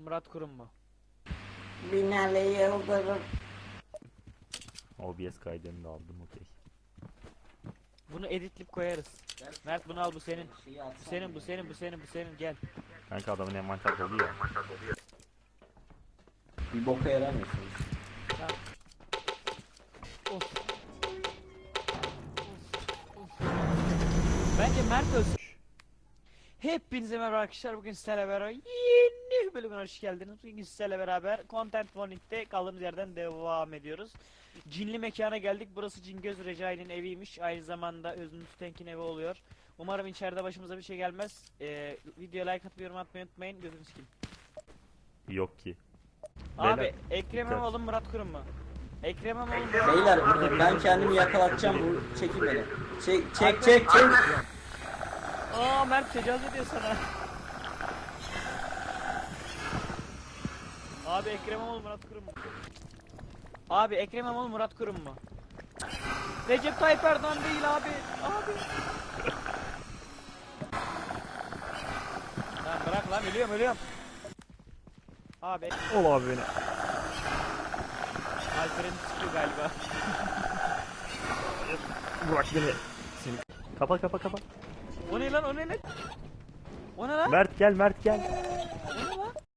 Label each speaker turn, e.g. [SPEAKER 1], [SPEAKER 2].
[SPEAKER 1] Murat Kurum mu?
[SPEAKER 2] Binali Yıldırım.
[SPEAKER 3] OBS kaydını da aldım, okey.
[SPEAKER 1] Bunu editleyip koyarız. Mert bunu al, bu senin. Bu senin, bu senin, bu senin, bu senin, gel.
[SPEAKER 3] Kanka adamın envanter dolu ya.
[SPEAKER 2] Bir boka yaramıyorsunuz.
[SPEAKER 1] Tamam. Of. Of. Of. Bence Mert ölsün. Hepinize merhaba arkadaşlar, bugün sizlerle beraber yeni bölümüne hoş geldiniz. Bugün sizlerle beraber Content Warning'de kaldığımız yerden devam ediyoruz. Cinli mekana geldik. Burası Cingöz Recai'nin eviymiş. Aynı zamanda Özgür Tenk'in evi oluyor. Umarım içeride başımıza bir şey gelmez. Videoya like atıp yorum atmayı unutmayın. Gözünü sikeyim.
[SPEAKER 3] Yok ki.
[SPEAKER 1] Abi
[SPEAKER 3] Beyler,
[SPEAKER 1] Ekrem
[SPEAKER 3] dikkat.
[SPEAKER 1] İmamoğlu Murat Kurum mu? Ekrem İmamoğlu
[SPEAKER 2] Beyler ben kendimi yakalatacağım, bu çekin beni. Çek.
[SPEAKER 1] Aa, Mert tecavüz ediyor sana. Abi Ekrem İmamoğlu Murat Kurum mu? Abi Ekrem İmamoğlu Murat Kurum mu? Recep Tayyip Erdoğan değil abi. Abi. Lan bırak lan, ölüyorum. Abi.
[SPEAKER 3] Ol abi beni.
[SPEAKER 1] Alperen çıkıyor galiba.
[SPEAKER 3] Bırak beni. Seni. Kapa.
[SPEAKER 1] O ne lan? O ne lan?
[SPEAKER 3] Mert gel.